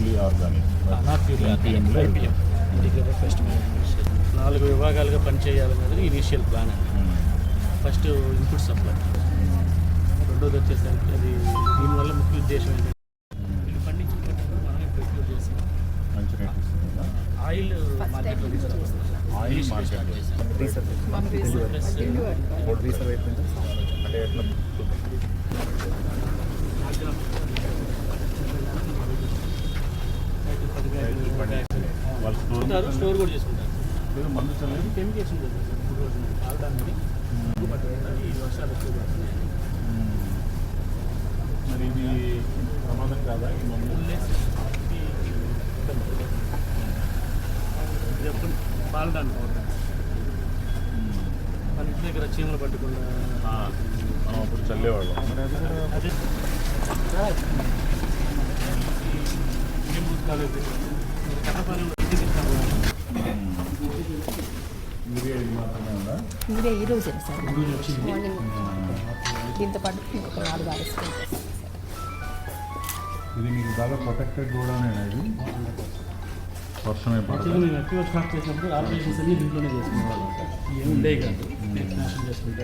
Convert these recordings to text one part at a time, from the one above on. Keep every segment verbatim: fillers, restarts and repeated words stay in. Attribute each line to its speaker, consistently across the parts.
Speaker 1: Purely organic,
Speaker 2: not purely IPM integrated pest management. నాలుగు విభాగాలుగా పనిచేయాలన్నది ఇనీషియల్ ప్లాన్ అండి. ఫస్ట్ ఇన్పుట్ సప్లై, రెండోది వచ్చేసరికి అది దీనివల్ల ముఖ్య ఉద్దేశం ఏంటంటే వీళ్ళు పండించిన పంటను మనమే ప్రొక్యూర్ చేసి
Speaker 1: మంచి రేట్ ఇస్తుందా?
Speaker 2: ఆయిల్ మార్కెట్లో తీసుకొస్తాం.
Speaker 1: ఆయిల్ మార్కెట్ అంటే ఎట్లా వాళ్ళు స్టోర్
Speaker 2: స్టోర్ కూడా చేసుకుంటారు.
Speaker 1: మందు చల్లలేదు,
Speaker 2: కెమికల్స్ ఉంటుంది సార్. ఇప్పుడు రోజు ఆడడానికి ఈ వర్షాలు ఎక్కువ పడుతున్నాయి.
Speaker 1: మరి ఇది ప్రమాదం కాదా ఈ మందు?
Speaker 2: ఇది ఎప్పుడు పాలడానికి అవుతుంది. మన ఇంటి దగ్గర చీమలు పట్టకుండా
Speaker 1: మనం అప్పుడు చల్లేవాళ్ళం. మరి అది కూడా
Speaker 2: అదే కట్టపాలెంలో
Speaker 1: యూరియా ఇది మాత్రమే ఉందా?
Speaker 3: ఇదే ఈరోజే సార్ మార్నింగ్ దీంతో పాటు ఇంకొక నాలుగు ఆరేసుకుంటాం.
Speaker 1: ఇది మీకు బాగా ప్రొటెక్టెడ్ గోడౌన్ ఇది. వర్షమే పడదు.
Speaker 2: యాక్చువల్గా మేము ఎక్కువ స్టార్ట్ చేసినప్పుడు ఆపరేషన్స్ అన్ని దీంట్లోనే చేసుకునేవాళ్ళం సార్. ఏమి ఉండే కాదు, నేషన్ చేసుకుంటే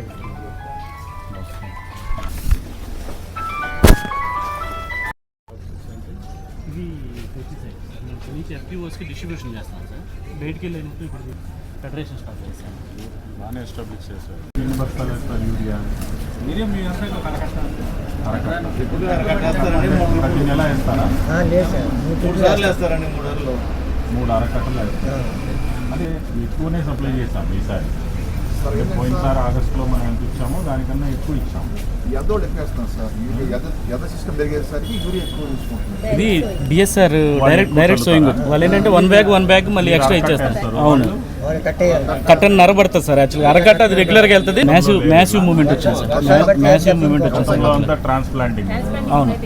Speaker 2: ఇది పెస్టిసైడ్ మేము నుంచి ఎఫ్పిఓస్కి డిస్ట్రిబ్యూషన్ చేస్తాం సార్. బయటికి వెళ్ళినప్పుడు ఇప్పుడు ఫెడరేషన్ స్టార్ట్ చేస్తాను.
Speaker 1: బాగానే ఎస్టాబ్లిష్ చేస్తారు. ఎన్ని బస్తాలు వేస్తారు యూరియా?
Speaker 2: మీరే మీ అంతా కరకట్ట
Speaker 1: ప్రతి నెల వేస్తారా?
Speaker 4: లేదు సార్, మూడు సార్లు వేస్తారండి. మూడు నెలలు
Speaker 1: మూడు అరకట్టలు వేస్తారు. అదే ఎక్కువనే సప్లై చేస్తాం ఈసారి. పోయినసారి ఆగస్టులో మనం ఎంత ఇచ్చామో దానికన్నా ఎక్కువ ఇచ్చాము.
Speaker 4: ఎదో ఎక్కువ వేస్తున్నాం సార్. ఎద సిస్టమ్ పెరిగేసరికి యూరియా ఎక్కువ తీసుకుంటున్నాం.
Speaker 2: ఇది డిఎస్ఆర్ డైరెక్ట్ డైరెక్ట్ సోయింగ్. వాళ్ళు ఏంటంటే వన్ బ్యాగ్ వన్ బ్యాగ్ మళ్ళీ ఎక్స్ట్రా ఇచ్చేస్తారు. అవును, కట్టన్ నరబడుతుంది సార్. యాక్చువల్గా అరకట్ట అది రెగ్యులర్గా వెళ్తుంది. మ్యాసివ్ మ్యాసివ్ మూవ్మెంట్ వచ్చింది సార్. మ్యాసివ్ మూవ్మెంట్ వచ్చింది.
Speaker 1: అంతా ట్రాన్స్ప్లాంటింగ్.
Speaker 2: అవును,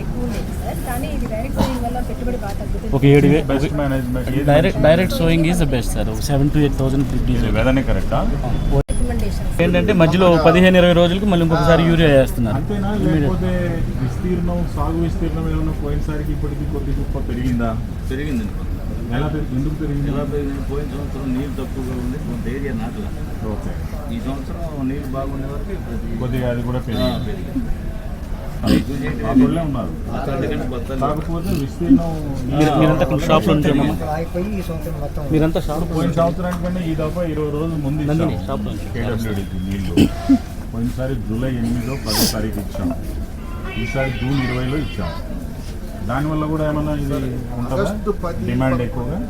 Speaker 2: ఒక ఏడు way
Speaker 1: best management.
Speaker 2: Direct direct sowing is the best sir. Seven to eight thousand
Speaker 1: వెదనే కరెక్టా?
Speaker 2: ఏంటంటే మధ్యలో పదిహేను ఇరవై రోజులకి మళ్ళీ ఇంకొకసారి యూరియా వేస్తున్నారు.
Speaker 1: అంతేనా? లేకపోతే విస్తీర్ణం, సాగు విస్తీర్ణం ఏమన్నా పోయినసారికి ఇప్పటికి కొద్ది గొప్ప పెరిగిందా?
Speaker 5: పెరిగింది.
Speaker 1: ఎలా పెరిగి ఎందుకు పెరిగింది?
Speaker 5: ఎలా పెరిగింది? పోయిన సంవత్సరం నీరు తక్కువగా ఉంది, కొంత ఏరియా నాటలా.
Speaker 1: ఓకే,
Speaker 5: ఈ సంవత్సరం నీరు బాగుండే వరకు
Speaker 1: కొద్దిగా అది కూడా పెరిగింది.
Speaker 5: పెరిగింది.
Speaker 1: అక్కడే ఉన్నారు. కాకపోతే విస్తీర్ణం
Speaker 2: మీరంతా షాప్లో ఉంటాము. మీరంతా షాప్
Speaker 1: పోయిన సంవత్సరానికి కన్నా ఈ దఫా ఇరవై రోజులు ముందు
Speaker 2: షాప్లో
Speaker 1: కేడబ్ల్యూడికి నీళ్ళు. పోయినసారి జూలై ఎనిమిదో పదో తారీఖు ఇచ్చాం, ఈసారి జూన్ ఇరవైలో ఇచ్చాం. దానివల్ల కూడా ఏమన్నా ఇది ఉంటుందా? డిమాండ్ ఎక్కువగా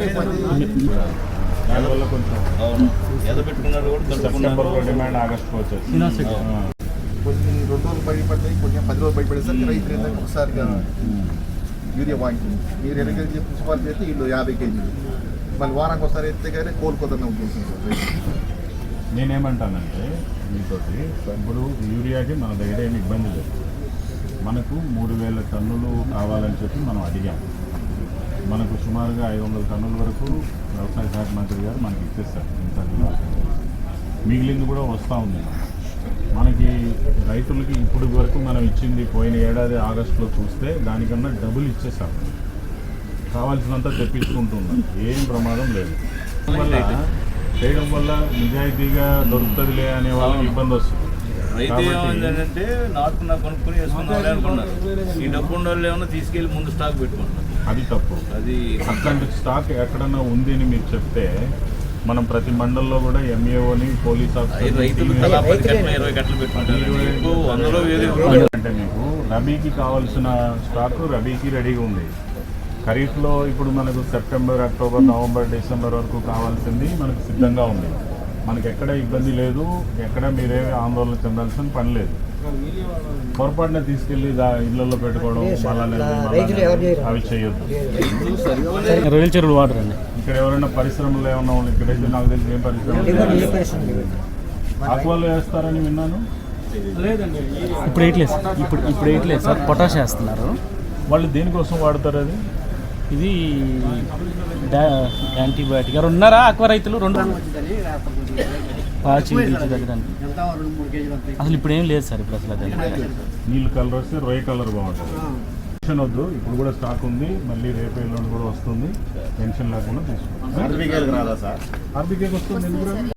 Speaker 1: దానివల్ల కొంచెం
Speaker 5: ఎదపెట్టుకున్నారు కూడా
Speaker 1: సెప్టెంబర్లో డిమాండ్ ఆగస్టుకు వచ్చేసి
Speaker 4: కొన్ని రెండు రోజులు బయట పడతాయి, కొన్ని పది రోజులు బయట పడేసరికి రైతులు ఏంటంటే ఒకసారిగా యూరియా వాంగింది. మీరు ఎన్ని కేజీ మున్సిపాలిటీ అయితే వీళ్ళు యాభై కేజీలు మళ్ళీ వారానికి ఒకసారి ఎత్తే కానీ కోలుకోదన్న ఉద్దేశం సార్.
Speaker 1: నేనేమంటానంటే మీతోటి ఇప్పుడు యూరియాకి మన దగ్గర ఏమి ఇబ్బంది లేదు. మనకు మూడు వేల టన్నులు కావాలని చెప్పి మనం అడిగాం. మనకు సుమారుగా ఐదు వందల టన్నుల వరకు వ్యవసాయ శాఖ మంత్రి గారు మనకి ఇచ్చేస్తారు. మిగిలింది కూడా వస్తూ ఉంది. మనకి రైతులకి ఇప్పుడు వరకు మనం ఇచ్చింది పోయిన ఏడాది ఆగస్టులో చూస్తే దానికన్నా డబుల్ ఇచ్చేసాం. కావాల్సినంత తెప్పించుకుంటున్నాం, ఏం ప్రమాదం లేదు. వల్ల చేయడం వల్ల నిజాయితీగా దొరుకుతుందిలే అనే వాళ్ళకి ఇబ్బంది వస్తుంది.
Speaker 5: రైతు ఏమైందంటే నాటుకున్నా కొనుక్కొని వేసుకున్నాం అనుకున్నారు. ఈ డబ్బు ఉన్న వాళ్ళు ఏమన్నా తీసుకెళ్ళి ముందు స్టాక్ పెట్టుకుంటున్నారు.
Speaker 1: అది తప్పు.
Speaker 5: అది
Speaker 1: అట్లాంటి స్టాక్ ఎక్కడన్నా ఉంది అని మీరు చెప్తే మనం ప్రతి మండలంలో కూడా ఎంఏఓని పోలీస్
Speaker 5: రైతులు తలా పది గంటల ఇరవై గంటలు పెట్టుకుంటారు. వందలో వేరే
Speaker 1: అంటే మీకు రబీకి కావాల్సిన స్టాక్ రబీకి రెడీగా ఉంది. ఖరీఫ్లో ఇప్పుడు మనకు సెప్టెంబర్, అక్టోబర్, నవంబర్, డిసెంబర్ వరకు కావాల్సింది మనకు సిద్ధంగా ఉంది. మనకి ఎక్కడ ఇబ్బంది లేదు, ఎక్కడ మీరేమి ఆందోళన చెందాల్సిన పని లేదు. పొరపాటున తీసుకెళ్ళి ఇళ్లలో పెట్టుకోవడం అవి చేయొద్దు.
Speaker 2: రొయ్యల చెరువులు వాటర్ అండి.
Speaker 1: ఇక్కడ ఎవరైనా పరిశ్రమలు ఏమన్నా ఉన్నాయి? ఇక్కడైతే నాకు తెలిసి ఏం పరిశ్రమలు ఆక్వాలో వేస్తారని విన్నాను.
Speaker 2: లేదండి, ఇప్పుడు వేయట్లేదు సార్. ఇప్పుడు ఇప్పుడు వేయట్లేదు సార్, పొటాష్ వేస్తున్నారు.
Speaker 1: వాళ్ళు దేనికోసం వాడతారు అది?
Speaker 2: ఇది యాంటీబయాటిక్. ఎవరు ఉన్నారా ఆక్వా రైతులు? రెండు పాచి తగ్గడానికి అసలు ఇప్పుడు ఏం లేదు సార్. ఇప్పుడు అసలు అది
Speaker 1: నీళ్ళు కలర్ వస్తే రొయ్య కలర్ బాగుంటుంది. టెన్షన్ వద్దు, ఇప్పుడు కూడా స్టాక్ ఉంది, మళ్ళీ రేపు ఎల్లుండి కూడా వస్తుంది, టెన్షన్ లేకుండా తీసుకోండి.
Speaker 4: ఆర్బీకేలకు రాదా సార్?
Speaker 1: ఆర్బీకేకి వస్తుంది ఎందుకు రాదు?